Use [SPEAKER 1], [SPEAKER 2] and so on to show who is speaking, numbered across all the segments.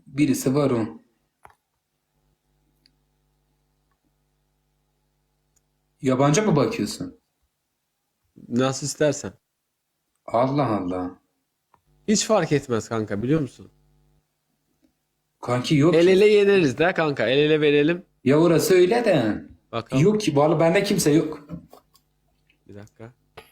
[SPEAKER 1] Birisi var o. Yabancı mı bakıyorsun?
[SPEAKER 2] Nasıl istersen.
[SPEAKER 1] Allah Allah.
[SPEAKER 2] Hiç fark etmez kanka, biliyor musun?
[SPEAKER 1] Kanki yok
[SPEAKER 2] El
[SPEAKER 1] ki.
[SPEAKER 2] ele yeneriz de kanka. El ele verelim.
[SPEAKER 1] Ya orası öyle de.
[SPEAKER 2] Bakalım.
[SPEAKER 1] Yok ki. Vallahi bende kimse yok.
[SPEAKER 2] Bir dakika.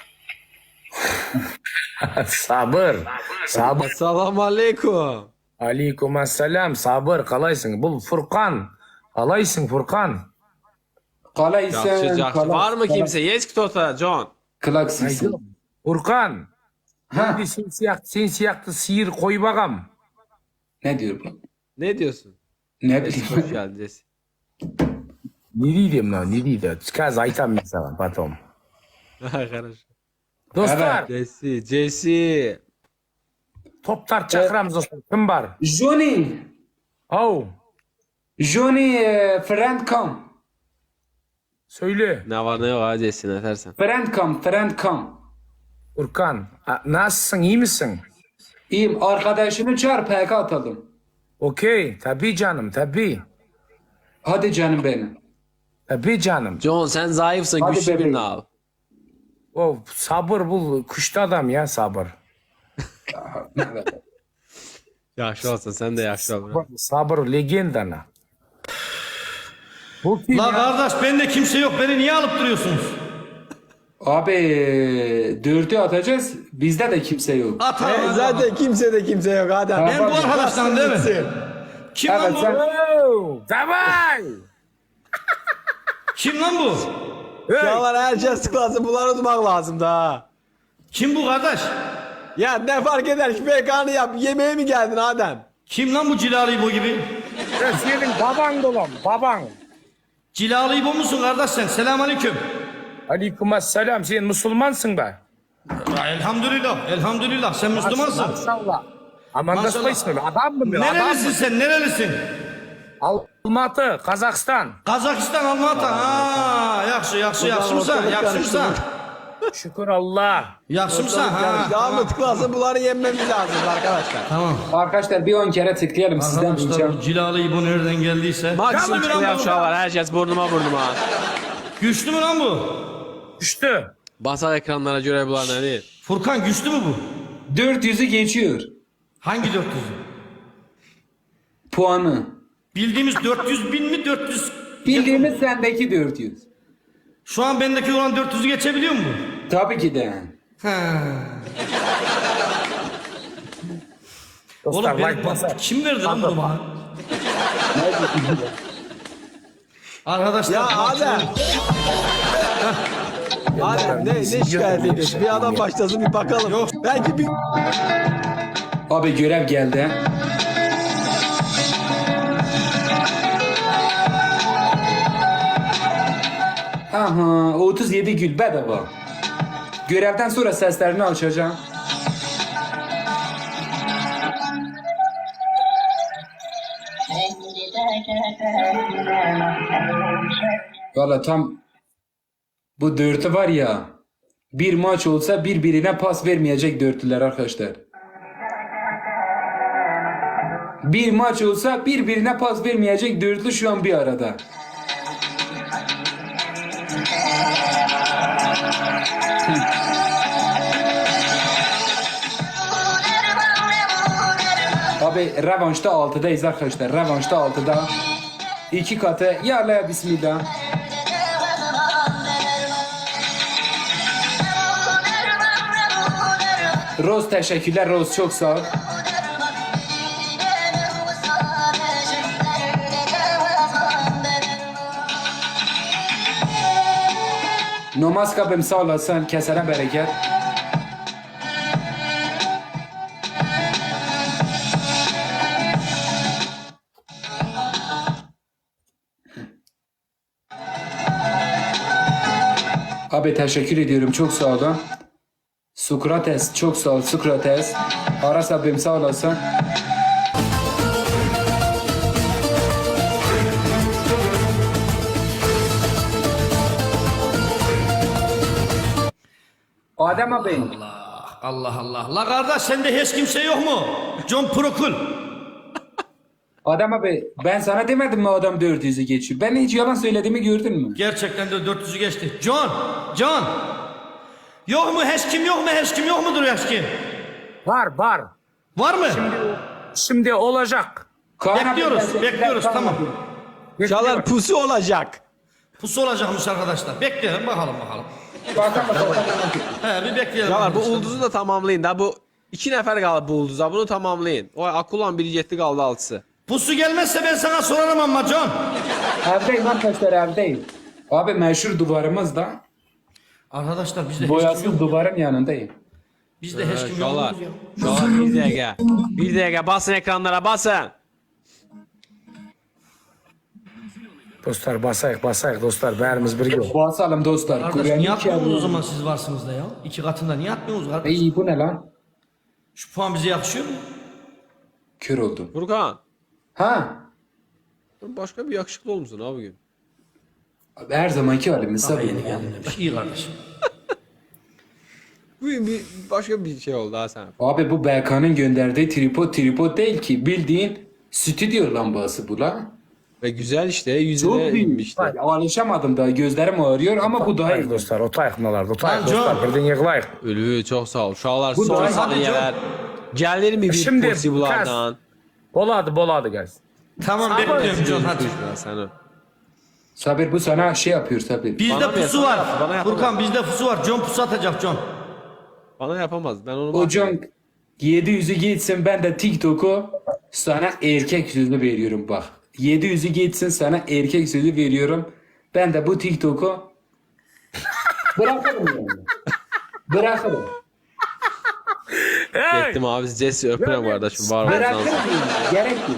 [SPEAKER 3] Sabır. Sabır.
[SPEAKER 2] Assalamu alaikum.
[SPEAKER 3] Aleykümselam. Sabır. Kalaysın. Bu Furkan. Kalaysın Furkan.
[SPEAKER 1] Kalaysın.
[SPEAKER 2] Yaxşı, yaxşı. Var mı kimse? Yes ktota John.
[SPEAKER 1] Klaksın.
[SPEAKER 3] Furkan.
[SPEAKER 1] Ha.
[SPEAKER 3] Bir sen siyaktı sihir koy bakalım.
[SPEAKER 1] Ne diyor bu?
[SPEAKER 2] Ne diyorsun?
[SPEAKER 1] Ne
[SPEAKER 2] Hoş
[SPEAKER 1] bileyim.
[SPEAKER 2] geldin Jesse.
[SPEAKER 3] Ne diyeyim lan? Ne diyeyim? Skaz aytam mesela patom.
[SPEAKER 2] Хорошо.
[SPEAKER 3] Dostlar.
[SPEAKER 2] Jesse.
[SPEAKER 3] Toptar çakramız dostlar. Kim var?
[SPEAKER 1] Johnny.
[SPEAKER 3] Oh.
[SPEAKER 1] Johnny friend come.
[SPEAKER 3] Söyle.
[SPEAKER 2] Ne var ne yok ha Jesse, ne dersen.
[SPEAKER 1] Friend come. Friend come.
[SPEAKER 3] Furkan. Nasılsın? İyi misin?
[SPEAKER 1] İyiyim. Arkadaşını çağır PK atalım.
[SPEAKER 3] Okey. Tabii canım. Tabii.
[SPEAKER 1] Hadi canım benim.
[SPEAKER 3] Tabii canım.
[SPEAKER 2] John sen zayıfsın,
[SPEAKER 1] Hadi
[SPEAKER 2] güçlü
[SPEAKER 1] bebeğim.
[SPEAKER 2] birini al.
[SPEAKER 3] O sabır bu. Kuşlu adam ya sabır.
[SPEAKER 2] Yaxşı olsun, sen de yaxşı ol.
[SPEAKER 3] Sabır legendana. Bu kim
[SPEAKER 4] La
[SPEAKER 3] ya?
[SPEAKER 4] kardeş bende kimse yok. Beni niye alıp duruyorsunuz?
[SPEAKER 1] Abi 4'ü atacağız. Bizde de kimse yok.
[SPEAKER 4] At abi.
[SPEAKER 2] Zaten kimse de kimse yok adam.
[SPEAKER 4] Ben bu arkadaştan değil mi? Kim lan
[SPEAKER 1] Evet
[SPEAKER 4] bu?
[SPEAKER 1] sen.
[SPEAKER 3] Oh, Davay!
[SPEAKER 4] Kim lan bu?
[SPEAKER 2] Şalar herkes tıklasın, bunları unutmak lazım da.
[SPEAKER 4] Kim bu kardeş?
[SPEAKER 2] Ya ne fark eder ki, PK'nı yap, yemeğe mi geldin Adem?
[SPEAKER 4] Kim lan bu Cilalı İbo gibi?
[SPEAKER 3] Senin baban dolam, baban.
[SPEAKER 4] Cilalı İbo musun kardeş sen? Selamünaleyküm.
[SPEAKER 3] Aleykümselam, sen Müslümansın da.
[SPEAKER 4] Elhamdülillah. Elhamdülillah. Sen Müslümansın.
[SPEAKER 3] Maşallah. Aman da
[SPEAKER 4] Maşallah.
[SPEAKER 3] ismi adam mı? Adam
[SPEAKER 4] Nerelisin
[SPEAKER 3] mı?
[SPEAKER 4] sen? Nerelisin?
[SPEAKER 3] Almatı, Kazakistan.
[SPEAKER 4] Kazakistan, Almatı. Ha, yaxşı, yaxşı, yaxşımısan, yaxşımsan.
[SPEAKER 3] Şükür Allah.
[SPEAKER 4] Yaxşımsan, ha.
[SPEAKER 2] Devam mı tıklasın, bunları yenmemiz lazım arkadaşlar.
[SPEAKER 4] Tamam.
[SPEAKER 1] Arkadaşlar bir 10 kere tıklayalım sizden
[SPEAKER 4] Arkadaşlar
[SPEAKER 1] ricam.
[SPEAKER 4] bu Cilalı İbo nereden geldiyse.
[SPEAKER 2] Maksimum
[SPEAKER 4] Güçlü mü lan
[SPEAKER 2] tıklayan
[SPEAKER 4] bu?
[SPEAKER 2] Şalar, herkes burnuma.
[SPEAKER 4] Güçlü mü lan bu?
[SPEAKER 3] Düştü.
[SPEAKER 2] Basar ekranlara göre bunlar değil.
[SPEAKER 4] Furkan güçlü mü bu?
[SPEAKER 1] 400'ü geçiyor.
[SPEAKER 4] Hangi 400'ü?
[SPEAKER 1] Puanı.
[SPEAKER 4] Bildiğimiz 400 bin mi 400?
[SPEAKER 1] Bildiğimiz sendeki 400.
[SPEAKER 4] Şu an bendeki olan 400'ü geçebiliyor mu bu?
[SPEAKER 1] Tabii ki de.
[SPEAKER 4] Oğlum
[SPEAKER 3] Dostlar
[SPEAKER 4] ben,
[SPEAKER 3] like basar.
[SPEAKER 4] kim verdi lan bunu bana? Arkadaşlar.
[SPEAKER 2] Ya Adem. Adem ne şikayet ediyorsun? Bir adam başlasın, bir bakalım.
[SPEAKER 4] Yok.
[SPEAKER 2] Belki bir...
[SPEAKER 1] Abi görev geldi. Aha 37 gül bedava. Görevden sonra seslerini açacağım. Valla tam bu dörtü var ya, bir maç olsa birbirine pas vermeyecek dörtlüler arkadaşlar. Bir maç olsa birbirine pas vermeyecek dörtlü şu an bir arada. Abi revanşta 6'dayız arkadaşlar. Revanşta 6'da. 2 katı. Ya Allah bismillah. Rose teşekkürler. Rose çok sağ ol. Namaz kabim sağ olasın. Kesene bereket. Abi teşekkür ediyorum. Çok sağ olun. Sokrates çok sağ ol. Sokrates. Aras abim sağ olasın. Adem abi.
[SPEAKER 4] Allah Allah. La kardeş sende hiç kimse yok mu? John Prokul.
[SPEAKER 1] Adam abi ben sana demedim mi adam 400'ü geçiyor. Ben hiç yalan söylediğimi gördün mü?
[SPEAKER 4] Gerçekten de 400'ü geçti. John. Yok mu hiç kim yok mu hiç kim yok mudur hiç kim?
[SPEAKER 3] Var var.
[SPEAKER 4] Var mı?
[SPEAKER 3] Şimdi olacak.
[SPEAKER 1] Kaan abi,
[SPEAKER 4] Bekliyoruz,
[SPEAKER 1] ben seni-
[SPEAKER 4] bekliyoruz,
[SPEAKER 1] ben-
[SPEAKER 4] tamam.
[SPEAKER 2] Uşaklar pusu olacak.
[SPEAKER 4] Pusu olacakmış arkadaşlar. Bekleyelim bakalım.
[SPEAKER 1] Bakalım.
[SPEAKER 4] He bir bekleyelim.
[SPEAKER 2] Uşaklar bu
[SPEAKER 4] arkadaşlar.
[SPEAKER 2] ulduzu da tamamlayın da bu 2 nefer kaldı bu ulduza bunu tamamlayın. O Akulan biri yetti kaldı 6'sı.
[SPEAKER 4] Pusu gelmezse ben sana sorarım ama John.
[SPEAKER 1] Evdeyim arkadaşlar evdeyim. Abi meşhur duvarımız da
[SPEAKER 4] Arkadaşlar bizde hiç kim
[SPEAKER 1] boyasız
[SPEAKER 4] yok.
[SPEAKER 1] duvarın yanındayım.
[SPEAKER 4] Bizde hiç kim yok.
[SPEAKER 2] Uşaklar.
[SPEAKER 4] ya.
[SPEAKER 2] Uşaklar bir dakika. Bir dakika basın ekranlara basın.
[SPEAKER 3] Dostlar basayık dostlar. Bərimiz bir yok.
[SPEAKER 1] Basalım dostlar.
[SPEAKER 4] Kardeş
[SPEAKER 1] Kur'an-ı
[SPEAKER 4] niye atmıyorsunuz o
[SPEAKER 1] Kerim.
[SPEAKER 4] zaman siz varsınız da ya? 2 katında niye atmıyorsunuz kardeş?
[SPEAKER 1] İyi bu ne lan?
[SPEAKER 4] Şu puan bize yakışıyor mu?
[SPEAKER 1] Kör oldum.
[SPEAKER 2] Furkan.
[SPEAKER 1] Ha?
[SPEAKER 2] Başka bir yakışıklı olmuşsun abi bugün.
[SPEAKER 1] Abi her zamanki halimiz
[SPEAKER 4] Daha
[SPEAKER 1] tabii.
[SPEAKER 4] yeni geldim demiş. İyi kardeşim.
[SPEAKER 2] Bugün bir başka bir şey oldu ha sen.
[SPEAKER 1] Abi bu BK'nın gönderdiği tripod değil ki. Bildiğin stüdyo lambası bu lan.
[SPEAKER 2] Ve güzel işte
[SPEAKER 1] Çok
[SPEAKER 2] yüzüne
[SPEAKER 1] büyük.
[SPEAKER 2] inmişti.
[SPEAKER 1] Bak, alışamadım daha gözlerim ağrıyor ama bu daha iyi.
[SPEAKER 3] Dostlar otayıq bunlar.
[SPEAKER 4] Lan
[SPEAKER 3] Otayıq
[SPEAKER 4] John.
[SPEAKER 3] dostlar. Birden yığılayıq.
[SPEAKER 2] Ölü çok sağ ol. Uşaklar
[SPEAKER 1] Bu
[SPEAKER 2] son
[SPEAKER 1] da-
[SPEAKER 2] saniyeler. Gelir mi bir
[SPEAKER 3] Şimdi
[SPEAKER 2] porsi bulardan?
[SPEAKER 3] Boladı guys.
[SPEAKER 4] Tamam bekliyorum John hadi.
[SPEAKER 2] Sen
[SPEAKER 1] Sabir bu sana şey yapıyor Sabir.
[SPEAKER 4] Bizde
[SPEAKER 2] Bana mı
[SPEAKER 4] pusu
[SPEAKER 2] yapar?
[SPEAKER 4] var.
[SPEAKER 2] Bana yapar.
[SPEAKER 4] Furkan bizde pusu var. John pusu atacak John.
[SPEAKER 2] Bana yapamaz. Ben onu
[SPEAKER 1] Hocam 700'ü geçsin ben de TikTok'u sana erkek sözü veriyorum bak. 700'ü geçsin sana erkek sözü veriyorum. Ben de bu TikTok'u bırakırım yani. Bırakırım.
[SPEAKER 2] Gittim abi Jesse öpürüm kardeşim. Var
[SPEAKER 1] Bırakırım
[SPEAKER 2] olsun.
[SPEAKER 1] yani. Gerek yok.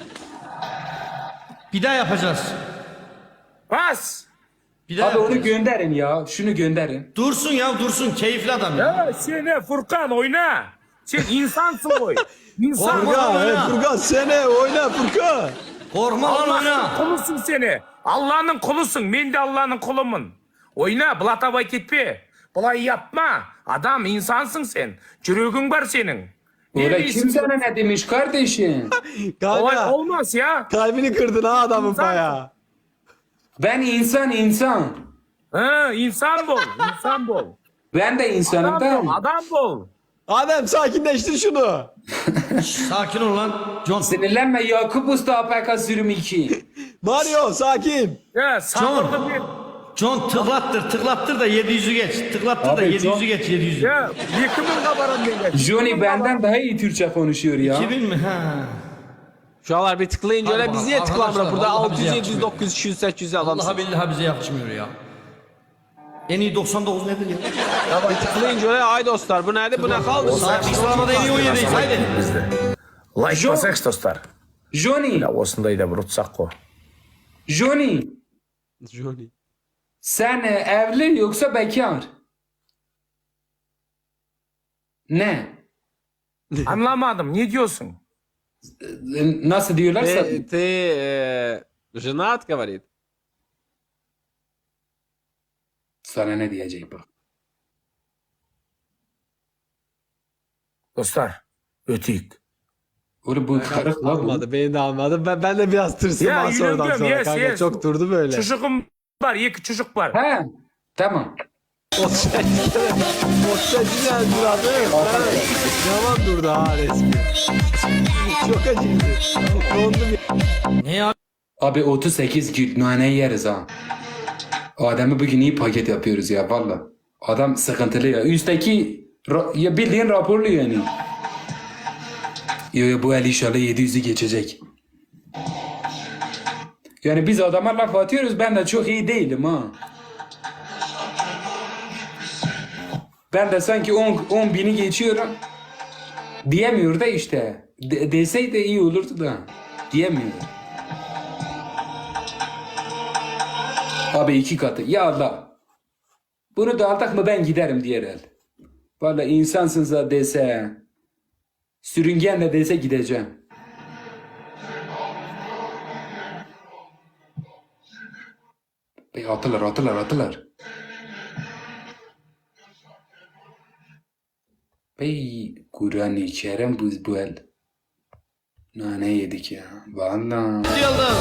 [SPEAKER 4] Bir daha yapacağız.
[SPEAKER 3] Bas.
[SPEAKER 4] Bir daha
[SPEAKER 1] Abi onu
[SPEAKER 4] yapacağız.
[SPEAKER 1] gönderin ya. Şunu gönderin.
[SPEAKER 4] Dursun ya dursun. Keyifli adam ya.
[SPEAKER 3] Ya sen Furkan oyna. Sen insansın oy. İnsan
[SPEAKER 4] Korkma lan oyna.
[SPEAKER 2] Furkan sene oyna Furkan.
[SPEAKER 4] Korkma lan
[SPEAKER 3] Allah'ın
[SPEAKER 4] oyna.
[SPEAKER 3] kulusun seni. Allah'ın kulusun. Ben de Allah'ın kulumun. Oyna, bulataba gitme. Bulay yapma. Adam insansın sen. Çürüğün var senin.
[SPEAKER 1] Öyle
[SPEAKER 3] değilsin
[SPEAKER 1] kim
[SPEAKER 3] sen?
[SPEAKER 1] sana ne demiş kardeşim?
[SPEAKER 3] Olay
[SPEAKER 2] Kanka
[SPEAKER 3] olmaz ya.
[SPEAKER 2] kalbini kırdın ha adamın
[SPEAKER 3] İnsan-
[SPEAKER 2] baya.
[SPEAKER 1] Ben insan.
[SPEAKER 3] Ha, insan bol. İnsan bol.
[SPEAKER 1] Ben de insanım
[SPEAKER 3] Adam
[SPEAKER 1] da.
[SPEAKER 3] bol. Adam bol.
[SPEAKER 2] Adem sakinleştir şunu.
[SPEAKER 4] Sakin ol lan. John.
[SPEAKER 1] Sinirlenme Yakup Usta APK sürüm 2.
[SPEAKER 2] Mario sakin.
[SPEAKER 3] Ya sabırlı bir.
[SPEAKER 4] John tıklattır da 700'ü geç. Tıklattır da
[SPEAKER 1] Abi,
[SPEAKER 4] 700'ü geç 700'ü.
[SPEAKER 3] Ya yıkımın kabaran beni.
[SPEAKER 1] Johnny benden daha iyi Türkçe konuşuyor ya.
[SPEAKER 4] 2000 mi? Ha.
[SPEAKER 2] Şu anlar bir tıklayınca öyle
[SPEAKER 4] Hadi
[SPEAKER 2] biz niye
[SPEAKER 4] bakalım,
[SPEAKER 2] tıklamıyor? Burada
[SPEAKER 4] arkadaşlar, vallahi
[SPEAKER 2] 600,
[SPEAKER 4] bize
[SPEAKER 2] 700,
[SPEAKER 4] yakışmıyor.
[SPEAKER 2] 900, 200, 800
[SPEAKER 4] Vallahi
[SPEAKER 2] adamsın.
[SPEAKER 4] billahi bize yakışmıyor ya. En iyi 99 nedir ya?
[SPEAKER 2] Tıklayınca öyle ay dostlar bu nerede bu ne kaldı?
[SPEAKER 4] Sakin sıralamada en iyi 17'yiz haydi.
[SPEAKER 3] Bizde. Like basaq dostlar.
[SPEAKER 1] Johnny,
[SPEAKER 3] Ya osundayı da bir utsaq o.
[SPEAKER 1] Johnny,
[SPEAKER 2] Johnny.
[SPEAKER 1] sen evli yoksa bekar? Ne?
[SPEAKER 3] Anlamadım. Ne diyorsun?
[SPEAKER 1] Nasıl diyorlarsa?
[SPEAKER 2] Ты женат, говорит.
[SPEAKER 1] Sana ne diyeceğim bak.
[SPEAKER 3] Dostlar. Ötük.
[SPEAKER 1] Oğlum bu karık la bu.
[SPEAKER 2] Almadı beni de almadı. Ben de biraz tırsım
[SPEAKER 3] Ya,
[SPEAKER 2] ha sonradan
[SPEAKER 3] yürüyorum,
[SPEAKER 2] sonra
[SPEAKER 3] yes,
[SPEAKER 2] kanka
[SPEAKER 3] yes.
[SPEAKER 2] çok durdu böyle.
[SPEAKER 3] Çocuğum var. İki çocuk var.
[SPEAKER 1] He, tamam.
[SPEAKER 2] Postacı geldi lan değil mi? Yalan durdu ha resmi. Çok acıydı. Dondum ya.
[SPEAKER 4] Ne ya?
[SPEAKER 1] Abi 38 gün nane yeriz ha. Adem'i bugün iyi paket yapıyoruz ya valla. Adam sıkıntılı ya. Üstteki ya bildiğin raporlu yani. Yo bu el inşallah 700'ü geçecek. Yani biz adama laf atıyoruz ben de çok iyi değilim ha. Ben de sanki 10 bini geçiyorum. Diyemiyor da işte. Deseydi iyi olurdu da. Diyemiyor. Abi 2 katı. Ya Allah. Bunu da aldık mı ben giderim diğer el. Valla insansınız da dese. Sürüngen de dese gideceğim. Bey atılar. Bey Kur'an-ı Kerim bu el. Ne yedik ya. Vallahi.
[SPEAKER 4] Yıldız.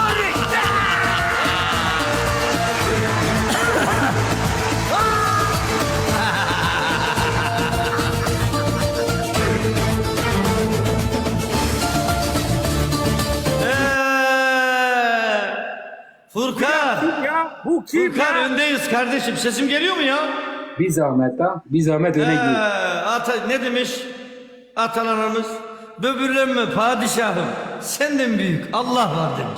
[SPEAKER 4] Furkan.
[SPEAKER 3] Ya bu kim
[SPEAKER 4] Furkan
[SPEAKER 3] ya?
[SPEAKER 4] öndeyiz kardeşim. Sesim geliyor mu ya?
[SPEAKER 1] Bir zahmet ha. Bir zahmet öne gir.
[SPEAKER 4] Ne demiş atalarımız? Böbürlenme padişahım. Senden büyük Allah var demiş.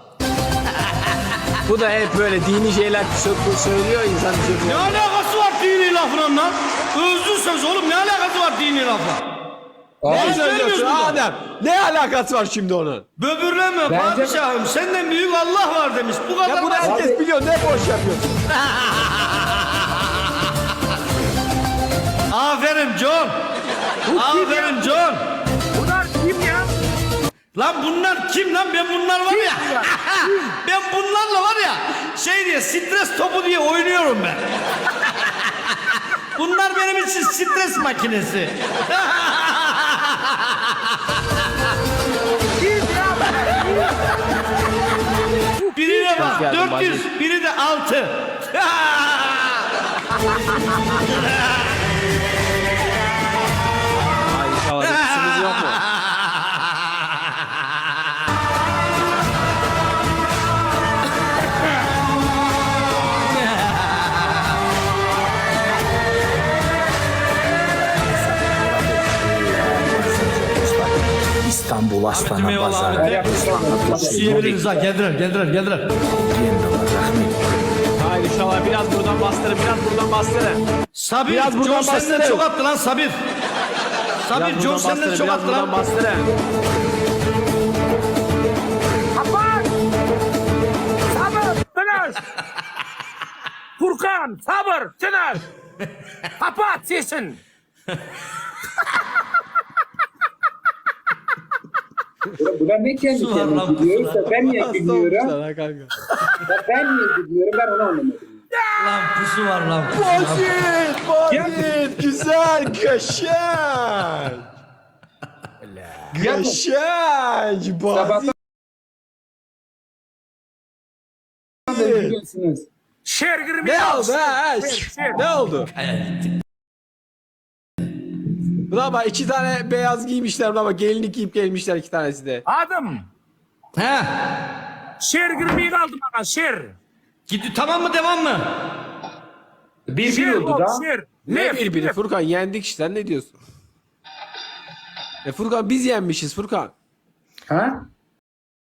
[SPEAKER 2] Bu da hep böyle dini şeyler söylüyor insan
[SPEAKER 4] Ne
[SPEAKER 2] söylüyor.
[SPEAKER 4] alakası var dini lafla lan? Özlü söz oğlum ne alakası var dini lafla?
[SPEAKER 2] Ne
[SPEAKER 1] Abi,
[SPEAKER 2] söylüyorsun
[SPEAKER 4] burada?
[SPEAKER 2] Adem? Ne alakası var şimdi onun?
[SPEAKER 4] Böbürlenme
[SPEAKER 1] Bence-
[SPEAKER 4] padişahım senden büyük Allah var demiş. Bu kadar
[SPEAKER 2] Ya bunu
[SPEAKER 4] basit.
[SPEAKER 2] herkes biliyor. Ne boş yapıyorsun?
[SPEAKER 4] Aferin John. Aferin John.
[SPEAKER 3] Bunlar kim ya?
[SPEAKER 4] Lan bunlar kim lan? Ben bunlar var ya. Ben bunlarla var ya şey diye stres topu diye oynuyorum ben. Bunlar benim için stres makinesi. Birine bak
[SPEAKER 2] geldin
[SPEAKER 4] 400, biri de 6.
[SPEAKER 2] Ay inşallah hepsiniz yok mu?
[SPEAKER 5] İstanbul Aslan'a
[SPEAKER 4] Eyvallah
[SPEAKER 5] Pazarı.
[SPEAKER 4] Ahmet. Yiyebiliriz ha geldiler.
[SPEAKER 2] Hayır inşallah biraz buradan bastırın, biraz buradan bastırın.
[SPEAKER 4] Sabir,
[SPEAKER 2] Biraz buradan
[SPEAKER 4] John senden
[SPEAKER 2] bastırın.
[SPEAKER 4] çok attı lan Sabir. Sabir,
[SPEAKER 2] Biraz
[SPEAKER 4] John
[SPEAKER 2] buradan
[SPEAKER 4] senden
[SPEAKER 2] bastırın,
[SPEAKER 4] çok
[SPEAKER 2] biraz
[SPEAKER 4] attı
[SPEAKER 2] buradan
[SPEAKER 4] lan.
[SPEAKER 2] bastırın.
[SPEAKER 3] Kapat! Sabır! Tınır! Furkan! Sabır! Tınır! Kapat sesin!
[SPEAKER 1] Buna ne kendi
[SPEAKER 4] Su var lan,
[SPEAKER 1] kendine gidiyorsa ben niye
[SPEAKER 2] Hasta
[SPEAKER 1] gülmüyorum?
[SPEAKER 2] olmuşlar ha kanka.
[SPEAKER 1] Ya ben niye gülmüyorum? Ben onu anlamadım.
[SPEAKER 4] Lan pusu var lan.
[SPEAKER 2] Basit, güzel, köşen. Köşen,
[SPEAKER 1] Sabahtan
[SPEAKER 2] basit.
[SPEAKER 1] beri gülüyorsunuz.
[SPEAKER 3] Şer girmeyin!
[SPEAKER 2] Ne oldu ha? Ne oldu? Buna bak 2 tane beyaz giymişler buna bak gelinlik giyip gelmişler 2 tanesi de.
[SPEAKER 3] Adım!
[SPEAKER 4] He.
[SPEAKER 3] Şer girmeyi kaldı bana şer!
[SPEAKER 4] Tamam mı devam mı?
[SPEAKER 1] Bir
[SPEAKER 3] Şer
[SPEAKER 1] oldu
[SPEAKER 3] ol,
[SPEAKER 1] da.
[SPEAKER 3] şer!
[SPEAKER 2] Ne
[SPEAKER 3] Lef,
[SPEAKER 2] birbiri
[SPEAKER 3] lef.
[SPEAKER 2] Furkan yendik işte ne diyorsun? Furkan biz yenmişiz Furkan.
[SPEAKER 1] Ha?